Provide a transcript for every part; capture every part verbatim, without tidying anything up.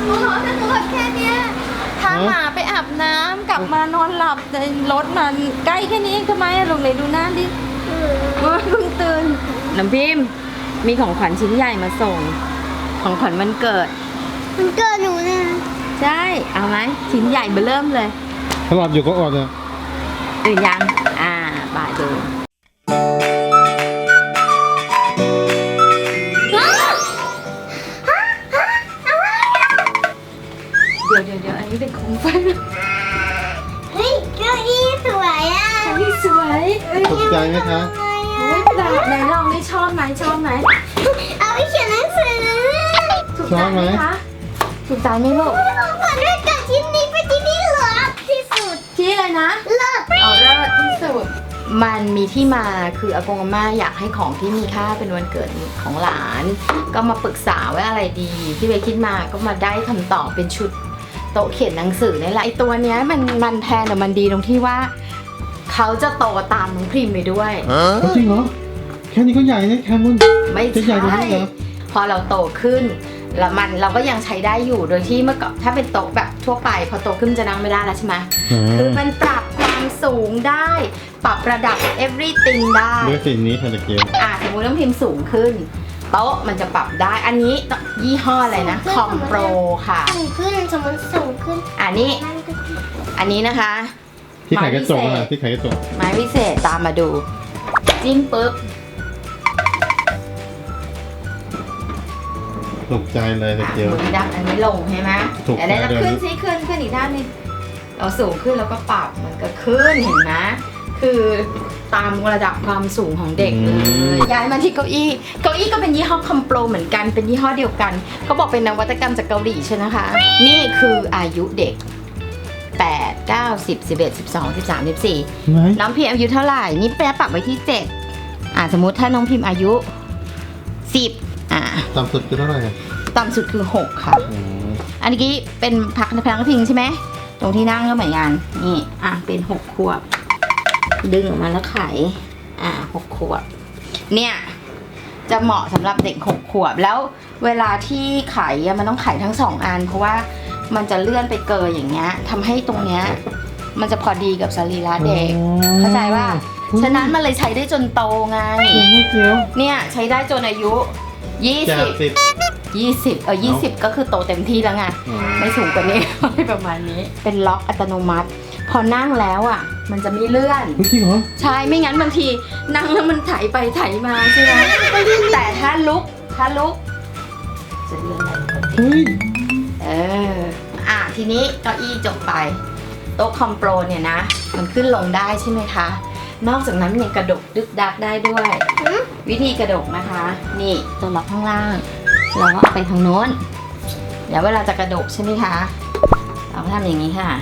โอ้โหแต่หนูแบบแค่เนี้ยพาหมาไปอาบน้ำกลับมานอนหลับในรถมันใกล้แค่นี้ทำไมอะลูกเลยดูหน้าดิเพิ่งตื่นน้ำพิมพ์มีของขวัญชิ้นใหญ่มาส่งของขวัญวันเกิดมันเกิดหนูนะใช่เอาไหมชิ้นใหญ่เบ้อเริ่มเลยถ้าหลับอยู่ก็อดอ่ะตื่นยังอ่าบ่ายดูเดี๋ยวเดี๋ยวเดี๋ยวอันนี้เป็นโคมไฟเฮ้ยเก้าอี้สวยอ่ะเก้าอี้สวยตกใจไหมคะโอ้ยแบบไหนลองนี่ชอบไหมชอบไหมเอาไปเขียนหนังสือถูกใจไหมคะถูกใจไหมลูกก่อนด้วยกับชิ้นนี้เป็นชิ้นที่เลิศที่สุดที่อะไรนะเลิศเอาเลิศที่สุดมันมีที่มาคืออากงอาม่าอยากให้ของที่มีค่าเป็นวันเกิดของหลานก็มาปรึกษาว่าอะไรดีที่เบคิดมาก็มาได้คำตอบเป็นชุดโต๊ะเขียนหนังสือนี่แหละไอตัวเนี้ยมันมันแพงแต่มันดีตรงที่ว่าเขาจะโตตามน้องพริมไปด้วยจริงเหรอแค่นี้ก็ใหญ่นะแคมุนไม่ใช่พอเราโตขึ้นแล้วมันเราก็ยังใช้ได้อยู่โดยที่เมื่อก่อนถ้าเป็นโต๊ะแบบทั่วไปพอโตขึ้นจะนั่งไม่ได้แล้วใช่ไหมคือมันปรับความสูงได้ปรับระดับ everything ได้ด้วยสิ่งนี้ค่ะตะเกียบอ่ะสมมติน้องพิมสูงขึ้นโต๊ะมันจะปรับได้อันนี้ยี่ห้ออะไรนะคอมโปรค่ะสูงขึ้นสมมติสูงขึ้นอันนี้อันนี้นะคะที่ไขกระจกนะที่ไขกระจกไม้วิเศษตามมาดูจิ้มปุ๊บตกใจเลยตะเกียบอันนี้ดับอันนี้ลงใช่ไหมแต่ได้แล้วขึ้นซิขึ้นขึ้นอีกด้านนึงเราสูงขึ้นแล้วก็ปรับมันก็ขึ้นเห็นไหมคือตามระดับความสูงของเด็กเลยย้ายมาที่เก้าอี้เก้าอี้ก็เป็นยี่ห้อคอมโปรเหมือนกันเป็นยี่ห้อเดียวกันเขาบอกเป็นนวัตกรรมจากเกาหลีใช่ไหมคะนี่คืออายุเด็กแปด เก้า สิบ สิบเอ็ด สิบสอง สิบสาม สิบสี่น้องพิมอายุเท่าไหร่นี่แปะปรับไว้ที่เจ็ดอ่าสมมุติถ้าน้องพิมอายุสิบอ่าต่ำสุดคือเท่าไหร่ต่ำสุดคือหกค่ะอันนี้เป็นพักในพักพิงใช่ไหมตรงที่นั่งก็เหมือนกันนี่อ่ะเป็นหกขวบดึงออกมาแล้วไขอ่าหกขวบเนี่ยจะเหมาะสำหรับเด็กหกขวบแล้วเวลาที่ไขมันต้องไขทั้งสองอันเพราะว่ามันจะเลื่อนไปเกยอย่างเงี้ยทำให้ตรงเนี้ยมันจะพอดีกับสรีระเด็กเข้าใจว่าฉะนั้นมันเลยใช้ได้จนโตไงเนี่ยใช้ได้จนอายุยี่สิบยี่สิบเออยี่สิบก็คือโตเต็มที่แล้วไงไม่สูงกว่านี้ประมาณนี้เป็นล็อกอัตโนมัติพอนั่งแล้วอ่ะมันจะไม่เลื่อนจริงเหรอใช่ไม่งั้นบางทีนั่งแล้วมันไถไปไถมาใช่ไหมแต่ถ้าลุกถ้าลุกจะเลื่อนได้เฮ้ยเอออ่ะทีนี้เก้าอี้จบไปโต๊ะคอมโปรเนี่ยนะมันขึ้นลงได้ใช่ไหมคะนอกจากนั้นยังกระดกดึกดักได้ด้วยวิธีกระดกนะคะนี่ตัวล็อกข้างล่างเราก็เอาไปทางโน้นเดี๋ยวเวลาจะกระดกใช่ไหมคะเราก็ทำอย่างนี้ค่ะ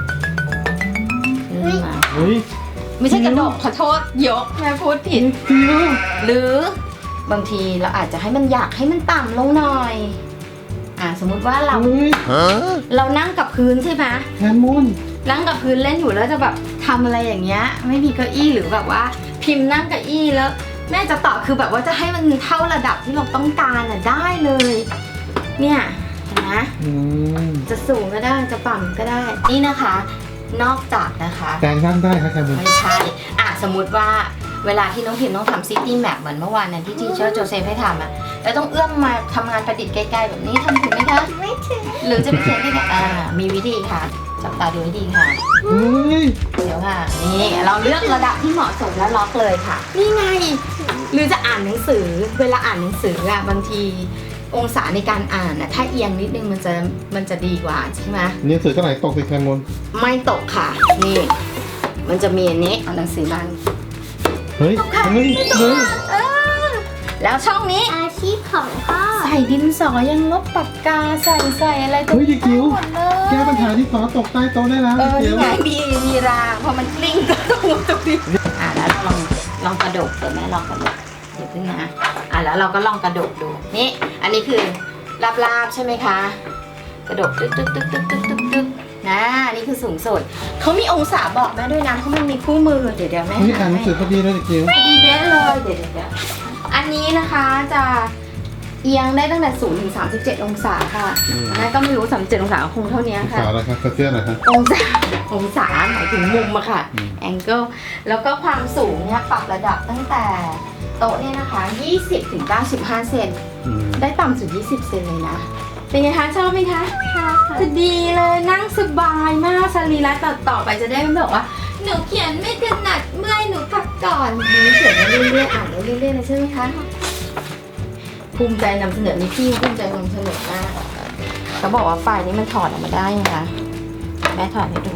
ลื่นมาไม่ใช่กระดกขอโทษยกแม่พูดผิดหรือบางทีเราอาจจะให้มันอยากให้มันต่ำลงหน่อยอ่าสมมุติว่าเราเรานั่งกับพื้นใช่ไหมแคมุนนั่งกับพื้นเล่นอยู่แล้วจะแบบทำอะไรอย่างเงี้ยไม่มีเก้าอี้หรือแบบว่าพิมพ์นั่งเก้าอี้แล้วแม่จะตอบคือแบบว่าจะให้มันเท่าระดับที่เราต้องการอ่ะได้เลยเนี่ยนะจะสูงก็ได้จะต่ำก็ได้นี่นะคะนอกจากนะคะการนั่งได้ค่ะแคมุนไม่ใช่อ่ะสมมุติว่าเวลาที่น้องพิมพ์ต้องทำซิตี้แมปเหมือนเมื่อวานนั้นที่ทีเชอร์โจเซฟให้ทำอ่ะแล้วต้องเอื้อมมาทำงานประดิษฐ์ใกล้ๆแบบนี้ทำถึงไหมคะไม่ถึงหรือจะไปเขียนได้ไงอ่ามีวิธีค่ะจับตาดูให้ดีค่ะเดี๋ยวค่ะนี่เราเลือกระดับที่เหมาะสมแล้วล็อกเลยค่ะนี่ไงหรือจะอ่านหนังสือเวลาอ่านหนังสืออ่ะบางทีองศาในการอ่านนะถ้าเอียงนิดนึงมันจะมันจะดีกว่าใช่ไหมหนังสือเท่าไหร่ตกสิแคมุนไม่ตกค่ะนี่มันจะมีอันนี้เอาหนังสือมันเฮ้ยเฮ้ยเฮ้ยแล้วช่องนี้อาชีพของพ่อใส่ดินสอยังลบปากกาใส่ใส่อะไรตัวนี้ได้หมดเลยแก้ปัญหาที่สอตกใต้โต๊ะได้แล้วเออนี่ไงมีมีรางพอมันกลิ้งก็ต้องตรงนี้อ่ะแล้วลองลองกระดกเดี๋ยวแม่ลองกระดกเดี๋ยวพึ่งนะอ่ะแล้วเราก็ลองกระดกดูนี่อันนี้คือลาบๆใช่ไหมคะกระดกตึ๊กตึ๊กตึ๊กตึ๊กตึ๊กตึ๊กตึ๊กนะนี่คือสูงสุดเขามีองศาบอกแม่ด้วยนะเขามันมีคู่มือเดี๋ยวเดี๋ยวแม่นี่อ่านหนังสือพอดีเลยเดี๋ยวพอดีเด้เลยเดี๋ยวเดี๋ยวอันนี้นะคะจะเอียงได้ตั้งแต่ศูนย์ถึงสามสิบเจ็ดองศาค่ะอืมแม่ก็ไม่รู้สามสิบเจ็ดองศาคงเท่านี้องค่ะศาแล้วครับกระเซียนนะครับองศาองศาหมายถึงมุมอะค่ะอืมแองเกิลแล้วก็ความสูงเนี่ยปรับระดับตั้งแต่โต๊ะเนี่ยนะคะยี่สิบถึงเก้าสิบห้าเซนอืมได้ต่ำสุดยี่สิบเซนเลยนะ เป็นไงคะชอบไหมคะค่ะจะดีเลยนั่งสบายมากสรีระต่อต่อไปจะได้ไม่บอกว่าหนูเขียนไม่ถนัดเมื่อยหนูพักก่อนหนูเขียนไปเรื่อยๆอ่านไปเรื่อยๆเลยใช่ไหมคะภูมิใจนำเสนอนี่พี่ภูมิใจนำเสนอมากเขาบอกว่าไฟนี้มันถอดออกมาได้นะคะแม่ถอดให้ดู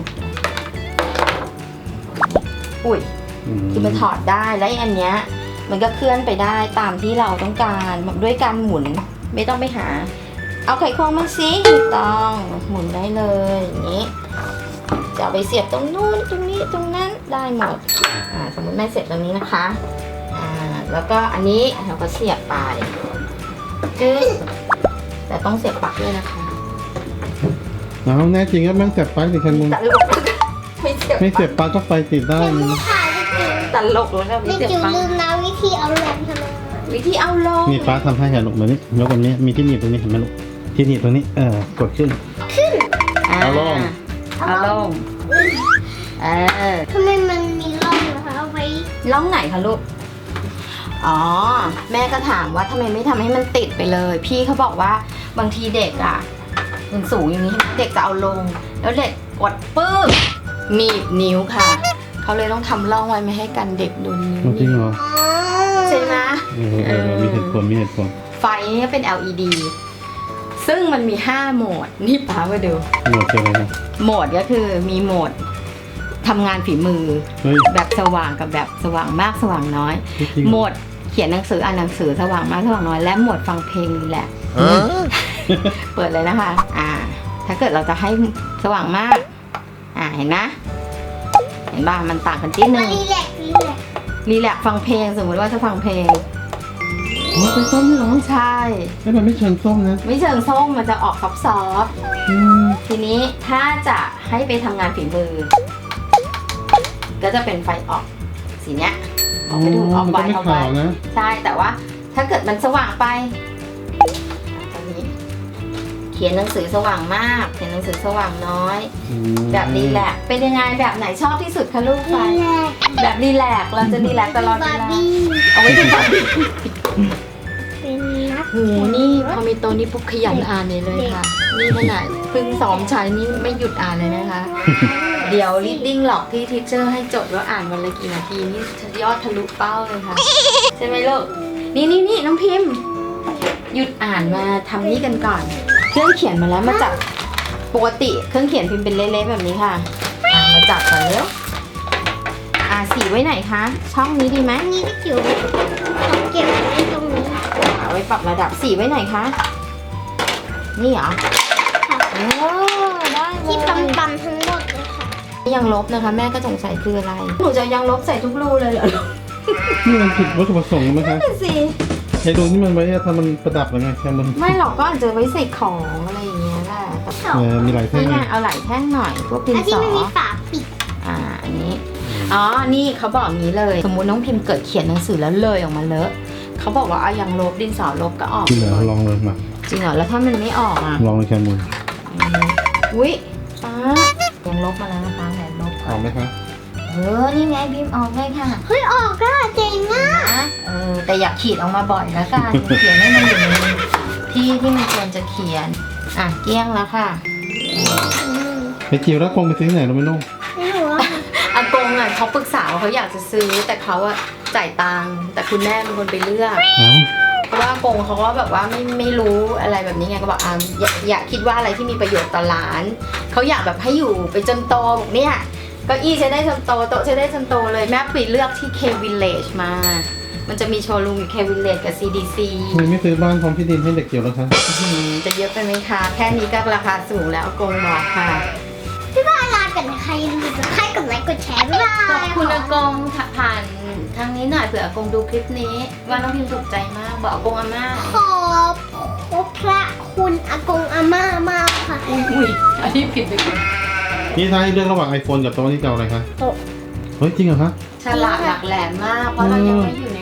อุ้ย คือมันถอดได้และอันเนี้ยมันก็เคลื่อนไปได้ตามที่เราต้องการด้วยการหมุนไม่ต้องไปหา เอาไขควงมาสิถูกต้องหมุนได้เลยอย่างนี้จะเอาไปเสียบตรงนู้นตรงนี้ตรงนั้นได้หมดอ่าสมมติแม่เสียบตรงนี้นะคะอ่าแล้วก็อันนี้เราก็เสียบไปจึ๊กแต่ต้องเสียบปลั๊กด้วยนะคะเอาแน่จริงครับแม่งเสียบปลั๊กสิแคมูลตลกไม่เสียบไม่เสียบปลั๊กก็ไฟติดได้นะค่ะจริงตลกแล้วก็ไม่นี่เสียบจิ๋วปลั๊กลืมนะวิธีเอาลงทำไมวิธีเอาลงนี่ป้าทำให้ค่ะลูกมานี่ยกตรงนี้มีที่หนีบตรงนี้เห็นไหมลูกที่หนีบตรงนี้เออกดขึ้น เอาลงเอาลงเออทำไมมันมีร่องนะคะเอาไว้ล่องไหนคะลูก อ๋อ แม่ก็ถามว่าทำไมไม่ทำให้มันติดไปเลย พี่เขาบอกว่าบางทีเด็กอ่ะมันสูงอย่างนี้เด็กจะเอาลง แล้วเด็กกดปื้มหนีบนิ้วค่ะ เขาเลยต้องทำร่องไว้ไม่ให้กันเด็กโดนนิ้วจริงเหรออ๋อใช่ไหมเออเออมีเหตุผลมีเหตุผลไฟเนี่ยเป็น แอล อี ดี ซึ่งมันมีห้าโหมด นี่ป้ามาดูหมดเลยนะโหมดก็คือมีโหมดทำงานฝีมือเฮ้ยแบบสว่างกับแบบสว่างมากสว่างน้อยจริงโหมดเขียนหนังสืออ่านหนังสือสว่างมากสว่างน้อยและโหมดฟังเพลงนี่แหละ เปิดเลยนะคะ อ่า ถ้าเกิดเราจะให้สว่างมาก อ่าเห็นนะ เห็นบ้างมันต่างกันนิดนึงรีแลกซ์รีแลกซ์รีแลกซ์ฟังเพลงสมมติว่าจะฟังเพลงโอ้เป็นส้มนี่เหรอใช่ไม่มันไม่เชิงส้มนะไม่เชิงส้มมันจะออกซอฟต์อืมๆทีนี้ถ้าจะให้ไปทำงานฝีมือ ก็จะเป็นไฟออกสีเนี้ยออกไปดูออกมันไวก็ไม่ออกไวขาวนะใช่แต่ว่าถ้าเกิดมันสว่างไปตอนนี้เขียนหนังสือสว่างมาก เขียนหนังสือสว่างน้อยอืมแบบรีแลกซ์เป็นยังไงแบบไหนชอบที่สุดคะลูกไฟรีแลกซ์แบบรีแลกซ์เราจะรีแลกซ์ตลอดเวบาร์ลาบี้เอาไว้ดูบาร์บี้เป็นนักโหนี่พอมีโตวนี้ปุ๊บขยันอ่านเลยเลยค่ะ นี่ขนาดเพิ่งซ้อมใช้นี่ไม่หยุดอ่านเลยนะคะ เดี๋ยว reading หลอกที่ทีเชอร์ให้จดว่าอ่านวันละกี่นาทีนี่ยอดทะลุเป้าเลยค่ะ ใช่ไหมลูก นี่นี่นี่น้องพิมพ์ หยุดอ่านมาทำนี่กันก่อน เครื่องเขียนมาแล้วมาจับปกติเครื่องเขียนพิมพ์เป็นเละๆแบบนี้ค่ะอ่ะมาจับก่อนเร็วอ่าสีไว้ไหนคะ ช่องนี้ดีไหมอันนี้ก็จิ๋วเขาเก็บไว้ตรงนี้เอาไว้ปรับระดับสีไว้ไหนคะ นี่เหรอค่ะโอ้ได้เลยที่ปั๊มปั๊มๆทั้งหมดเลยค่ะยังลบนะคะ แม่ก็สงสัยคืออะไร หนูจะยังลบใส่ทุกรูเลยเหรอนี่มันผิดวัตถุประสงค์ไหมคะนั่นสิไอ้ดูนี่มันไว้ทำมันประดับหรือไงแคมูลไม่หรอกก็อาจจะไว้ใส่ของอะไรอย่างเงี้ยแหละแต่เออมีหลายเส้นนี่ไงไงเอาไหล่แท่งหน่อย พวกดินอันที่สอมันมีฝาปิดอ่า อันนี้ อ๋อ นี่เขาบอกอย่างนี้เลย สมมุติน้องพิมพ์เกิดเขียนหนังสือแล้วเลยออกมาเลอะเขาบอกว่าเอายังลบดินสอลบก็ออกจริงเหรอลองเลยมาจริงเหรอ แล้วถ้ามันไม่ออกอ่ะลองเลยแคมูลอืมอุ้ยป้ายังลบมาแล้วนะคะแหวนลบเอาไหมคะเออ นี่ไงพิมพ์ออกเลยค่ะเฮ้ยออกอะเจ๋งอะนะเออ แต่อยากขีดออกมาบ่อยแล้วกัน เขียนให้มันอยู่ในที่ที่มันควรจะเขียน อ่ะ เกลี้ยงแล้วค่ะไอ้จิ๋วแล้วคงไปซื้อที่ไหนเราไม่รู้ไม่รู้ว่าอากงอ่ะเขาปรึกษาว่าเขาอยากจะซื้อแต่เขาอะจ่ายตังค์แต่คุณแม่เป็นคนไปเลือกเอ้าเพราะว่าอากงเขาก็แบบว่าไม่ไม่รู้อะไรแบบนี้ไงก็บอกอ่ะอย่าอย่าคิดว่าอะไรที่มีประโยชน์ต่อหลานเขาอยากแบบให้อยู่ไปจนโตบอกเนี่ยเก้าอี้ใช้ได้จนโตโต๊ะใช้ได้จนโตเลยแม่ไปเลือกที่ K Village มา มันจะมีโชว์รูมอยู่ K Village กับ ซี ดี ซีทำไมไม่ซื้อบ้านพร้อมที่ดินให้เด็กจิ๋วแล้วคะอืมจะเยอะไปไหมคะแค่นี้ก็ราคาสูงแล้วอากงบอกค่ะพี่ว่าลากันนะคะอย่าลืมกดไลค์กดไลค์กดแชร์บ๊ายบายขอบคุณอากงผ่านทางนี้หน่อยเผื่ออากงดูคลิปนี้ ว่าน้องพิมถูกใจมากบอกอากงอาม่าขอบพระคุณอากงอาม่ามากค่ะอุ้ยอันนี้ผิดไปก่อนนี่ถ้าให้เลือกระหว่าง iPhone กับโต๊ะนี่จะเอาอะไรคะโต๊ะเฮ้ยจริงเหรอคะฉลาดหลักแหลมมาก เพราะเรายังไม่อยู่ใน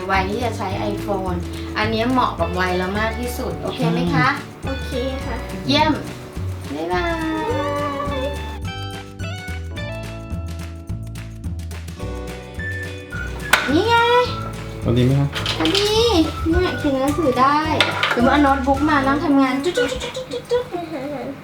วัยที่จะใช้ iPhone อันนี้เหมาะกับวัยเรามากที่สุด โอเคไหมคะโอเคค่ะเยี่ยม บ๊ายบายนี่ไงพอดีไหมคะพอดีเนี่ยเขียนหนังสือได้หรือว่าเอาโน้ตบุ๊กมานั่งทำงานจุ๊จุ๊จุ๊จุ๊จุ๊จุ๊